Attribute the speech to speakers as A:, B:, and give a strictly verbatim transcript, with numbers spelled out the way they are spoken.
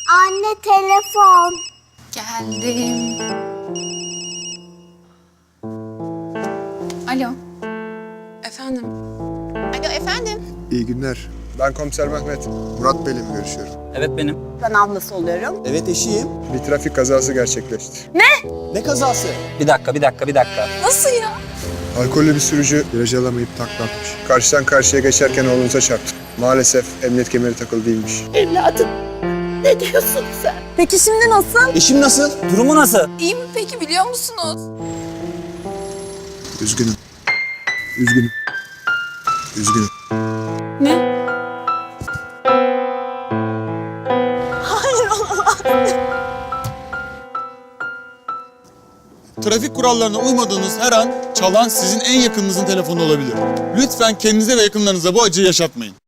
A: Anne telefon.
B: Geldim. Alo. Efendim. Alo efendim.
C: İyi günler. Ben komiser Mehmet. Murat Bey'le mi görüşüyorum?
D: Evet benim.
A: Ben ablası oluyorum.
E: Evet eşiyim.
C: Bir trafik kazası gerçekleşti.
E: Ne kazası?
D: Bir dakika, bir dakika, bir dakika.
B: Nasıl ya?
C: Alkollü bir sürücü viraj alamayıp takla atmış. Karşıdan karşıya geçerken oğlunuza çarptı. Maalesef emniyet kemeri takılı değilmiş.
A: Evladım. Ne diyorsun sen? Peki şimdi nasıl?
E: Eşim nasıl?
D: Durumu nasıl?
B: İyi mi peki biliyor musunuz?
C: Üzgünüm. Üzgünüm. Üzgünüm.
B: Ne?
F: Trafik kurallarına uymadığınız her an çalan sizin en yakınınızın telefonu olabilir. Lütfen kendinize ve yakınlarınıza bu acıyı yaşatmayın.